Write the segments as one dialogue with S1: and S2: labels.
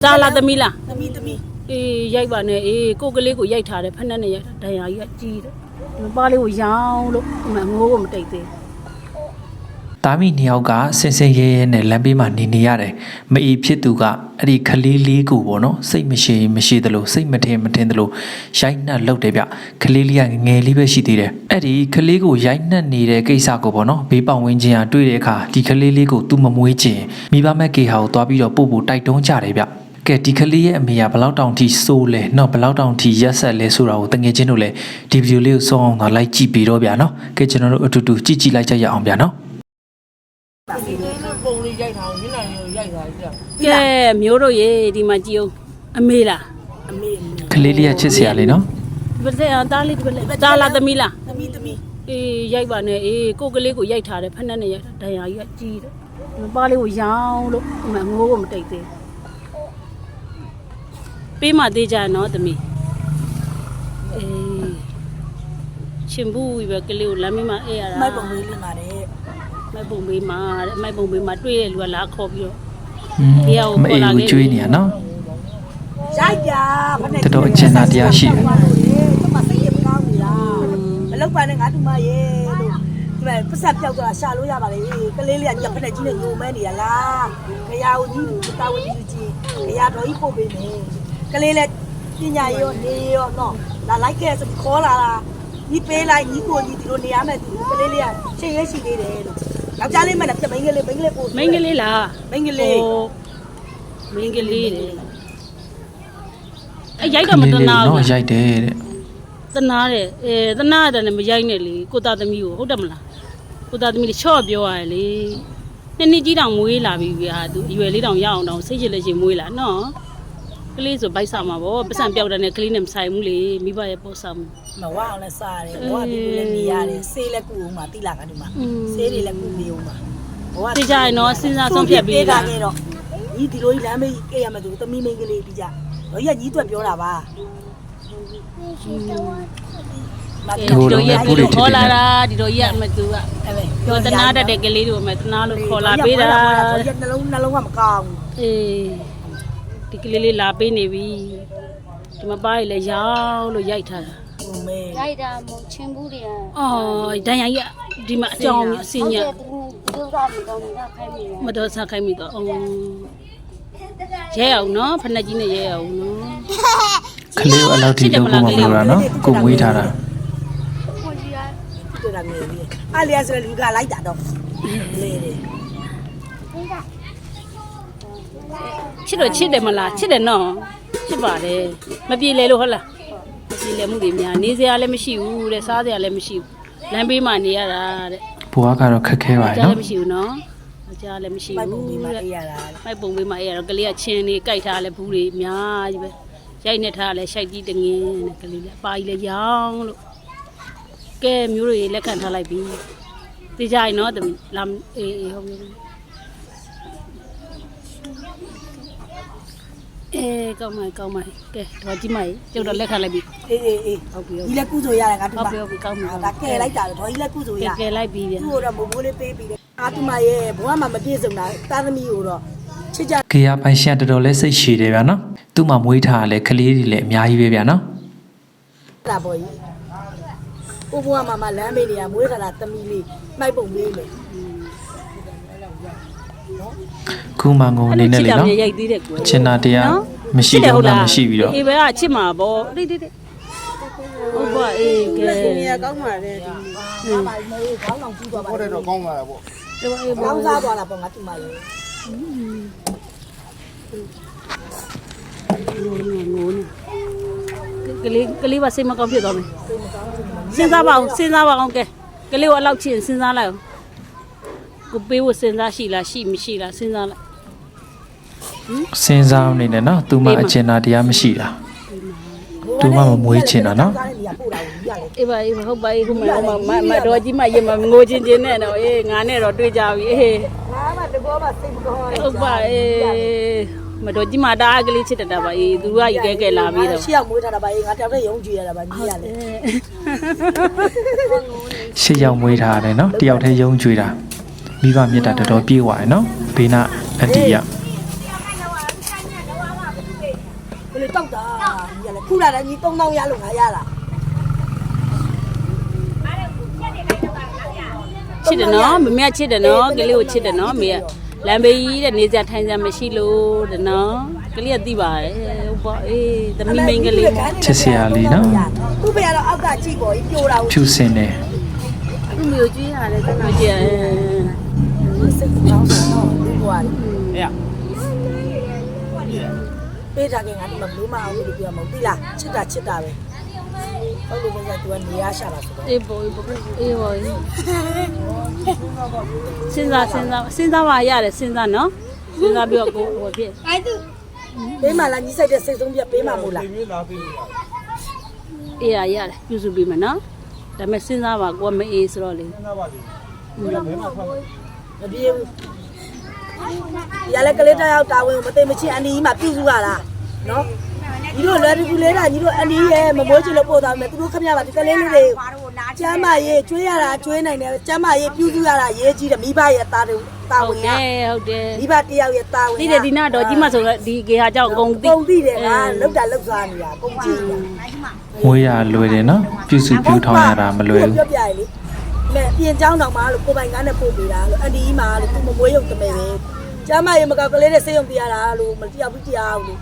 S1: 咋啦？怎么啦？
S2: သမီးသမီး
S1: ရိုက်ပါနဲ့ကိုကလေးကိုရိုက်ထားတယ်ဖက်နဲ့နဲ့ရိုက်တာဒဏ်ရာကြီးကကြီးတယ်ဒီပါလေးကိုရောင်းလို့ငိုးကိုမတိတ်သေး
S3: တာမီနှစ်ယောက်ကဆင်ဆင်ရဲရဲနဲ့လမ်းဘေးမှာနေရတယ်မအီဖြစ်သူကအဲ့ဒီခလေးလေးကိုပေါ့နော်စိတ်မရှိသလိုစိတ်မထင်သလိုရိုက်နှက်လုပ်တယ်ဗျခလေးလေးကငယ်လေးပဲရှိသေးတယ်အဲ့ဒီခလေးကိုရိုက်နှက်နေတဲ့ကိစ္စကိုပေါ့နော်ဘေးပေါင်ဝင်းချင်းကတွေ့တဲ့အခါဒီခလေးလေးကိုသူမမွေးချင်မိဘမဲ့ကေဟာကိုသွားပြီးတော့ပို့တိုက်တွန်းကြတယ်ဗျကဲဒီကလေးရဲ့အမေကဘလောက်တောင်ထိစိုးလဲနော်ဘလောက်တောင်ထိရက်ဆက်လဲဆိုတာကိုတငယ်ချင်းတို့လည်းဒီဗီဒီယိုလေးကိုစောအောင်တော့လိုက်ကြည့်ပြီးတော့ဗျာနော်ကဲကျွန်တော်တို့အတူတူကြည့်လိုက်ကြရအောင်ဗျာနော်
S2: ပုံလေးရိုက်ထားအောင်မျက်နှာလေးရိုက်ထားကြ
S1: ကဲမျိုးတို့ရေဒီမှာကြည့်အောင်အမေလား
S2: အမေ
S3: ကလေးလေးကချစ်စရာလေးနော်
S1: ဒီဘက်သားလေးဒီဘက်咋啦？怎么啦？
S2: သမီးသမီး
S1: ရိုက်ပါနဲ့ကိုကလေးကိုရိုက်ထားတယ်ဖက်နဲ့နဲ့ရိုက်တာဒဏ်ရာကြီးကကြီးတယ်ဒီပါလေးကိုရောင်းလို့ငိုးကိုမတိတ်သေးပေးမသေးကြနော်သမီးရှင်ဘူးပဲကလေးကိုလမ်းမေးမှာအေးရတာ
S2: မိုက်ပုံလေးလင်းပါတယ်
S1: မိုက်ပုံပေးမှာတဲ့မိုက်ပုံပေးမှာတွေ့တဲ့လူကလာခေါ်ပြီးတော့
S3: မအေးကိုကျွေးနေရနော်
S2: ရိုက်ကြဖက်နဲ့
S3: တော်တော်အကျဉ်းသားတရားရှိတယ်
S2: ကျမစိတ်ရမကောင်းဘူးလားမလောက်ပါနဲ့ငါတူမရဲ့လို့ဒီမဲ့ပတ်ဆက်ပြောက်သွားရှာလို့ရပါလေကလေးလေးကညဖက်နဲ့ကြီးနဲ့ညိုမဲနေရလားခရာဦးကြီးတာဝန်ကြီးကြီးခရာတော်ကြီးပို့ပေးမယ်ကလေးလေးပညာရောနေရောနော်လာလိုက်ခဲ့ဆိုခေါ်လာတာညီပေးလိုက်ညီကိုညီဒီလိုနေရမယ်သူကလေးလေးကရှေ့ရရှိသေးတယ်လို့ယောက်ျားလေးမှလည်းပြမိန်းကလေးပို့
S1: မိန်းကလေးလား
S2: မိန်းကလေး
S1: မိန်းကလေးတဲ့ရိုက်တော့မတနာဘူး
S3: နော်ရိုက်တယ်တဲ့
S1: တနာတယ်တနာတယ်လည်းမရိုက်နဲ့လေကိုသားသမီးကိုဟုတ်တယ်မလားကိုသားသမီးလေးချော့ပြောရတယ်လေနှစ်ကြီးတောင်မွေးလာပြီဟာသူအရွယ်လေးတောင်ရအောင်တောင်စိတ်ချလက်ချင်မွေးလာနော်ကလေးဆိုဗိုက်စားမှာဗောပတ်စံပြောက်တဲ့နဲ့ကလေးနဲ့မဆိုင်ဘူးလေမိဘရဲ့ပို့စားမှု
S2: မဝအောင်လည်းစားတယ်ဘဝဒီလိုလည်းနေရတယ်ဆေးလည်းကုအောင်ပါတိလာကဒီမှာဆေးတွေလည်းကုနေအောင်ပါဘဝ
S1: သိကြရင်တော့စဉ်းစားဆုံးဖြတ်ပြီး
S2: တာ
S1: တာ
S2: ခဲ့တော့ညီဒီလိုကြီးလမ်းမေးအေးရမယ်သူသမီးမိန်းကလေးပြီးကြတော့ကြီးကညီတွက်ပြောတာပါ
S1: ဒီလိုရက်ဒီလိုခေါ်လာတာဒီလိုရက်မသူကပြောတနာတတ်တဲ့ကလေးတို့မှတနာလို့ခေါ်လာပေးတာ
S2: ရက်နှလုံးကမကောင်း
S1: ဒီကလေးလေးလာပေးနေပြီဒီမပါရလေရောင်းလို့ရိုက်ထားတာ
S2: ဘူးမဲ
S4: ရိုက်တာမဟုတ်ချင်းဘူးတွေက
S1: အော်ဒဏ်ရာကြီးဒီမှာအကြောင်းအစင်းည
S4: သူတို့ကမကောင်းတာခိုင်းမိတယ်
S1: မတော်စားခိုင်းမိတော့ရဲအောင်နော်ဖက်နှက်ကြီးနဲ့ရဲအောင်နော်
S3: ခလေးကိုအလောက်ထိလုပ်ဖို့မလိုတာနော်ကိုမွေးထားတာ
S4: ကိုကြီးက
S2: တွေ့တာငယ်ကြီးအားလျာဆိုလူကလိုက်တာတော့လေလေ
S1: ချစ်တော့ချစ်တယ်မလားချစ်တယ်နော်ချစ်ပါတယ်မပြေလေလို့ဟုတ်လားမပြေလေမှုတွေများနေစရာလည်းမရှိဘူးတဲ့စားစရာလည်းမရှိဘူးလမ်းဘေးမှာနေရတာတဲ့
S3: ဘွားကတော့ခက်ခဲပါ
S1: ကြား
S3: နော်
S1: လည်းမရှိဘူးနော်ကြားလည်းမရှိ
S2: မိုက်ပုံ
S1: ဘူး
S2: ပြီးမှ
S1: တဲ့
S2: အေးရတာ
S1: မိုက်ပုံပေးမှအဲ့ရတော့ကလေးကချင်းနေကြိုက်ထားလဲဘူးတွေအများကြီးပဲရိုက်နေထားလဲရှိုက်ကြီးတငင်းနဲ့ကလေးလည်းပါကြီးလဲရောင်းလို့ကဲမျိုးတွေလက်ခံထားလိုက်ပြီသိကြရင်နော်တမီးလာအေးဟုတ်ပြီကောင်းမယ်ကဲတော့ကြည့်မယ်ကျုပ်တော့လက်ခံလိုက်ပြီ
S2: အေးအေး
S1: ဟုတ်ပြီ
S2: ဒီလက်ကုဆိုရတယ်ငါတူမ
S1: ဟုတ်ပြီကောင်းမယ်
S2: ဒါကဲလိုက်တာတော့ဒီလက်ကုဆိုရ
S1: ကဲလိုက်ပြီဗျာ
S2: သူ့တော့မိုးမိုးလေးပေးပြီးတယ်အာတူမရဲ့ဘဝမှာမပြည့်စုံတာတာသမီးကိုတော့ချစ်ကြ
S3: ကေယာပိုင်ရှင်တော်တော်လေးစိတ်ရှည်တယ်ဗျာနော်သူ့မှာမွေးထားတဲ့ကလေးတွေလည်းအများကြီးပဲဗျာနော်
S2: တာပေါ့ကြီးကိုဘဝမှာလမ်းမေးနေရမွေးခါတာသမီးလေးမိုက်ပုံပေးမယ်
S3: ခုမှငုံနေနေလေနော်
S1: ရိုက်သေးတယ်ကို
S3: ချင်တာတရားမရှိတော့မှမရှိပြီးတော့
S1: အေးဘယ်ကချစ်မှာပေါ့တိတိဟုတ်ပါအေးကဲ
S2: နေရကောင်းပါလေဒီမှာပါမိုးခေါင်းအောင်ကြည့်သွားပါ
S5: ဟုတ်တယ်တော့ကောင်းလာတာပေါ့
S2: ကောင်းစားသွားတာပေါ့ငါတူမရဲ့
S1: ငိုနေကလေးပါစိတ်မကောင်းဖြစ်သွားမယ်စဉ်းစားပါအောင်ကဲကလေးကိုအလောက်ချစ်စဉ်းစားလိုက်အောင်ကိုပေးဖို့စဉ်းစားရှိလားရှိမရှိလားစဉ်းစားလိုက်
S3: စဉ်းစားနေနဲ့နော်သူမှအကျဉ်းသားတရားမရှိတာသူမှမမွေးချင်တာနော်
S2: နေရပို့တာကိုရလေ
S1: အေးပါဟုတ်ပါခုမတော်ကြီးမရင်မငိုချင်းနဲ့တော့အေးငါနဲ့တော့တွေ့ကြပြီအေး
S2: ငါမှတကောမှစိတ်မကောင်း
S1: ဟုတ်ပါအေးမတော်ကြီးမတားကလေးချစ်တတ်တာပါအေးသူကကြီးကဲလာပြီးတော့
S2: ရှေ့ရောက်မွေးထားတာပါငါတောက်တဲ့ရုံးကြည့်ရတာပါညီရလေ
S3: ရှစ်ယောက်မွေးထားတယ်နော်တယောက်တည်းယုံကြွေးတာမိဘမြတ်တာတော်တော်ပြေးသွားတယ်နော်ဘေးနာအန်တီက
S2: လေတောက်တာညီကလည်းခုလာတယ်ညီ3000ရလို့ငါရတာ
S1: ချစ်တယ်နော်မမေချစ်တယ်နော်ကလေးကိုချစ်တယ်နော်မေကလမ်းဘေးကြီးတဲ့နေစရာထိုင်စရာမရှိလို့တဲ့နော်ကလေးကသိပါတယ်ဟုတ်ပါအေးသမီးမိန်းကလေး
S3: ချစ်စရာလေးနော်
S2: ခုပဲကတော့အောက်ကကြည့်ပေါ်ပြိုတာ
S3: ဖြူစင်တယ်
S1: သူ့မျိုးကျွေးရတယ်သူ့မျိုးကျွေးရတယ်
S2: စိတ်ကောင်းတော့ဒီကွာ
S1: အေး
S2: ပေးထားခင်ငါဒီမှာဘလို့မအောင်လို့ပြောမှာမသိလားချစ်တာပဲဟုတ်လို့ပဲသူကနေရရှာတာဆိုတော့
S1: အေးဘောအေးဘောစဉ်းစားပါရတယ်စဉ်းစားနော်စဉ်းစားပြီးတော့ကိုဟိုဖြစ်
S2: ပေးမှလားညီဆိုင်တဲ့စိတ်ဆုံးပြပေးမှမို့လား
S1: အေးရတယ်ပြုစုပြီးမယ်နော်ဒါပေမဲ့စဉ်းစားပါကိုကမအေးဆိုတော့လေ
S2: မပြေဘူးရလဲကလေးတယောက်တာဝန်ကိုမသိမချင်းအန်ဒီကြီးမှပြုစုရတာနော်ညီတို့လွယ်တူလေးတာညီတို့အန်ဒီရဲ့မမိုးချင်လို့ပို့သွားမယ်သူတို့ခမရပါဒီကလေးလေးတွေကျမ်းမရေးကျွေးရတာကျွေးနိုင်တယ်ကျမ်းမရေးပြုစုရတာရေးကြီးတယ်မိဘရဲ့တာဝန်
S1: ဟုတ်တယ်ဟုတ်တယ်
S2: မိဘတယောက်ရဲ့တာဝန်
S1: သိတယ်ဒီနာတော့ကြီးမဆိုတော့ဒီကေဟာကြောင့်အကုန်သိ
S2: ပုံသိတယ်ကလောက်တာလောက်စားနေတာပုံကြည့်နေတာ
S3: မွေးရလွယ်တယ်နော်ပြုစုပြုထောင်းရတာမလွယ်ဘူး
S2: ပြောပြရလေမဲ့ပြင်เจ้าတော်မှာလို့ကိုပိုင်ကားနဲ့ပို့ပေးတာလို့အန်ဒီကြီးမှာလို့သူမမွေးရုံတမဲပဲကျမ်းမရေမကောက်ကလေးနဲ့ဆေးရုံပြရတာလို့မတရားဘူးတရားဘူးလို့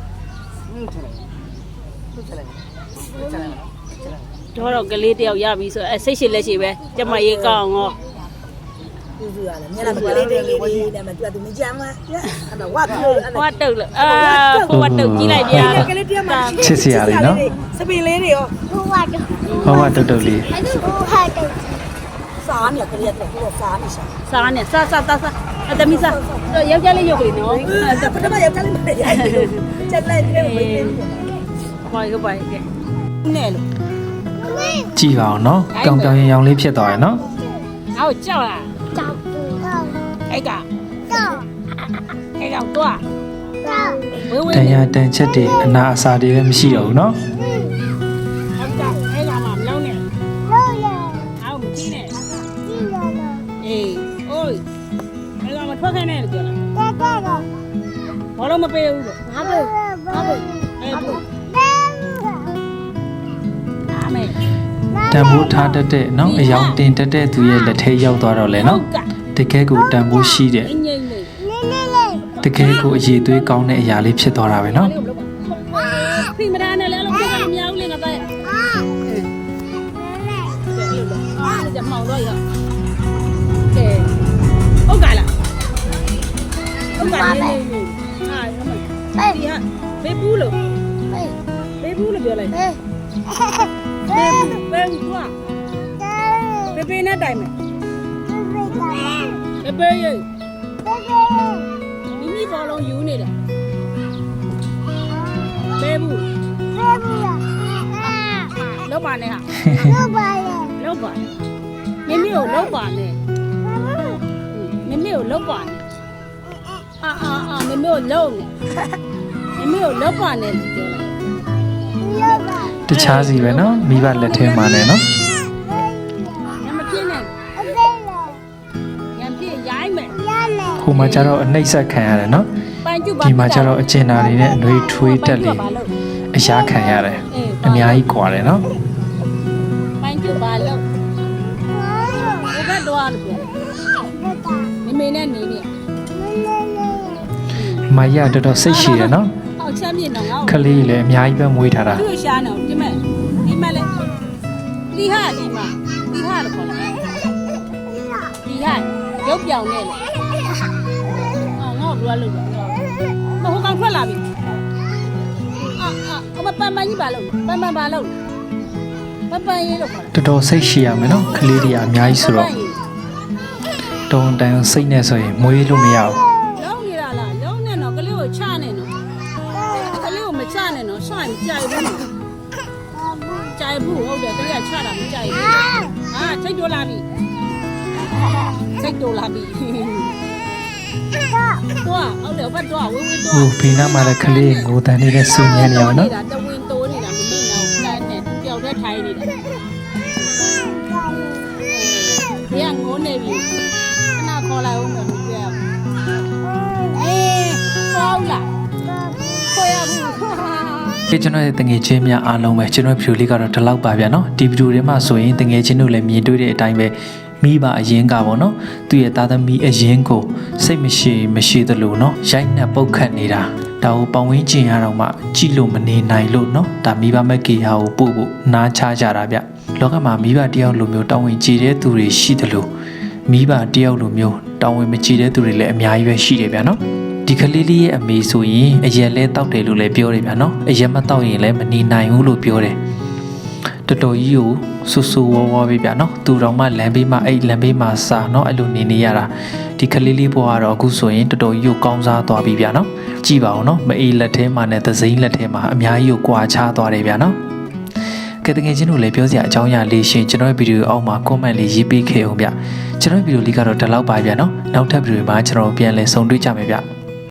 S1: တော့ကလေးတယောက်ရပြီဆိုအဲစိတ်ရှိလက်ရှိပဲကျမရေးကောင်းရော
S2: ပြုစုရတယ်မျက်နှာကလေးတွေလေးတွေနဲ့မှသူကသူမကြမ်းမအဲ့တော့ဝတ်ပြောအဲ့
S1: ဟောတုတ်လို့ဟိုတုတ်ကြီးလိုက်ပြ
S2: ကလေးတယောက်မှ
S3: ချစ်စရာလေးနော်
S2: စပင်လေးတွေရော
S4: 不玩的，
S3: ဟောတုတ်တုတ်လေး
S4: 还是不玩的。
S2: စားနေကလေးကတော့စားနေရှာ
S1: စားနဲ့စားအသမီးစားတော့ယောက်ျားလေးရုပ်ကလေးနော်
S2: ပထမရောက်ကြလေးမရရိုက်ချက်လိုက်တယ်ဘယ်လို
S1: ဟုတ်ပါကဲနဲ့လို့
S3: ကြည့်ပါအောင်နော်ကောင်းပြောင်ရင်ရောင်လေးဖြစ်သွားရယ်နော်
S1: ငါ့ကိုကြောက်လား
S4: 找不到，
S1: အဲ့က
S4: 找
S1: အဲ့ကောင်တော့
S4: 到，
S1: ဝေးဝေး
S3: တန်ရာတန်ချက်တွေအနာအစာတွေလည်းမရှိတော့ဘူးနော်
S1: ဟုတ်ကဲ့အဲ့ကောင်မှမလုံးနဲ့
S4: 肉眼
S1: ငါ့ကိုမကြည့်နဲ့
S4: 记得的，
S1: အေးအိုးအဲ့ကောင်မထွက်ခိုင်းနဲ့လို့ပြောလား
S4: 这个
S1: ဘာလို့မပေးဘူးလို့
S4: 哪个哪个
S1: အဲ့ဒါ
S4: 哪
S1: အမေ
S3: တန်ဖိုးထားတတ်တဲ့နော်အယောင်တင်တတ်တဲ့သူရဲ့လက်ထဲရောက်သွားတော့လေနော်တကယ်ကိုတန်ဖိုးရှိတဲ့
S1: ငိမ့်ငိမ့်လေး
S3: တကယ်ကိုအရေးသွေးကောင်းတဲ့အရာလေးဖြစ်သွားတာပဲနော်
S1: ဖိမဒါနဲ့လည်းလုံးပြမများဘူးလေငါပဲအားကြမောင်တော့ရကဲဟုတ်ကလားဟုတ်ကလားနေနေဟာအမေဒီဟာဘေးဘူးလို့ဘေးဘူးလို့ပြောလိုက်ဘေးဘေးကွာဘေးဘေးနဲ့တိုင်မယ်ဘေးဘေးရေမိမိဘောလုံးယူနေတယ်ဘေးဘူးလောက်ပါနဲ့ဟာလောက်ပါမိမိကိုလောက်ပါနဲ့မိမိကိုလောက်ပါနဲ့အာမိမိကိုလောက်မိမိကိုလောက်ပါနဲ့ပြောလိုက်
S3: တခြားစီပဲနော်မိဘလက်ထဲမှာနဲ့နော်
S1: ညမပြင်းနဲ့ညပြင်းရိုင်းမယ်
S3: ဟိုမှာကျတော့အနှိမ့်ဆက်ခံရတယ်နော်
S1: ပိုင်ကျူပါ
S3: ဒီမှာကျတော့အကျဉ်းသားတွေနဲ့အနှွေးထွေးတက်လေအရာခံရတယ်အများကြီးကွာတယ်နော်
S1: ပိုင်ကျူပါလို့ဘယ်ဘက်တော့လို့ပြောမိမိနဲ့နေနေ
S3: မရတော်တော်စိတ်ရှိတယ်နော်
S1: ဟောက်ချက်မြင့်တော့ငါ့
S3: ခလေးလည်းအများကြီးပဲမွေးထားတာ
S1: သူ့ရှာနေဒီမဲ့ဒီမဲ့လေဒီဟာလို့ခေါ်လားဒီဟာရုပ်ပြောင်နေလေငါ့ကိုဘယ်လိုလုပ်လဲမဟုတ်ကောင်ထွက်လာပြီအမပန်းပန်းကြီးပါလို့ပန်းပန်းပါလို့ပန်းပန်းရေးလို့ခေါ်တာ
S3: တော်တော်စိတ်ရှိရမယ်နော်ခလေးတွေအများကြီးဆိုတော့တုံတန်စိတ်နဲ့ဆိုရင်မွေးလို့မရဘူး
S1: လုံးနေတာလားလုံးနေတော့ကလေးကိုချနေတော့ကလေးကိုမချနဲ့တော့ဆွမ်းကြိုက်ဘူးကြိုက်ဘူးဟုတ်တယ်ကလေးကချတာမကြိုက်ဘူးဟာစိတ်တိုးလာပြီစိတ်တိုးလာပြီတော့ဟုတ်တယ်ဘတ်တော့ဝေးဝေးတော့
S3: ဟိုဖေးနားမှာလည်းခလေးငိုတန်နေတဲ့စူညံနေအောင်နော်
S1: တဝင်းတိုးနေတာမင်းတော့တန်းနဲ့ပျောက်တဲ့ထိုင်နေတာဘယ်ကငိုနေပြီခဏခေါ်လိုက်ဦးမယ်လို့ပြောအေးကောင်းလားခေါ်ရဘူး
S3: ကျွန်တော်ရဲ့တငယ်ချင်းများအားလုံးပဲကျွန်တော်ဗီဒီယိုလေးကတော့ဒီလောက်ပါဗျာနော်ဒီဗီဒီယိုထဲမှာဆိုရင်တငယ်ချင်းတို့လည်းမြင်တွေ့တဲ့အတိုင်းပဲမိဘအရင်ကပေါ့နော်သူ့ရဲ့သားသမီးအရင်ကိုစိတ်မရှိသလိုနော်ရိုက်နှက်ပုတ်ခတ်နေတာဒါကိုပေါင်ဝင်းကျင်ရတော့မှကြည့်လို့မနေနိုင်လို့နော်ဒါမိဘမက်ကေဟာကိုပို့ဖို့နားချကြတာဗျလောကမှာမိဘတယောက်လိုမျိုးတောင်းဝင်ကြည်တဲ့သူတွေရှိသလိုမိဘတယောက်လိုမျိုးတောင်းဝင်မကြည်တဲ့သူတွေလည်းအများကြီးပဲရှိတယ်ဗျာနော်ဒီကလေးလေးရဲ့အမေဆိုရင်အရက်လဲတောက်တယ်လို့လည်းပြောတယ်ဗျာနော်အရက်မတောက်ရင်လည်းမနေနိုင်ဘူးလို့ပြောတယ်တော်တော်ကြီးကိုဆူဆူဝါးဝါးပဲဗျာနော်သူတော်မှလမ်းဘေးမှာအဲ့လမ်းဘေးမှာစာနော်အဲ့လိုနေရတာဒီကလေးလေးဘွားကတော့အခုဆိုရင်တော်တော်ကြီးကိုကောင်းစားသွားပြီဗျာနော်ကြည့်ပါဦးနော်မအေးလက်ထဲမှာနဲ့သစိမ်းလက်ထဲမှာအများကြီးကိုကွာခြားသွားတယ်ဗျာနော်ကဲတကယ်ချင်းတို့လည်းပြောစရာအကြောင်းအရာလေးရှင်ကျွန်တော်ရဲ့ဗီဒီယိုအောက်မှာ comment လေးရေးပေးခဲ့အောင်ဗျကျွန်တော်ရဲ့ဗီဒီယိုလေးကတော့ဒီလောက်ပါဗျာနော်နောက်ထပ်ဗီဒီယိုမှာကျွန်တော်ပြန်လည်ဆုံတွေ့ကြမယ်ဗျ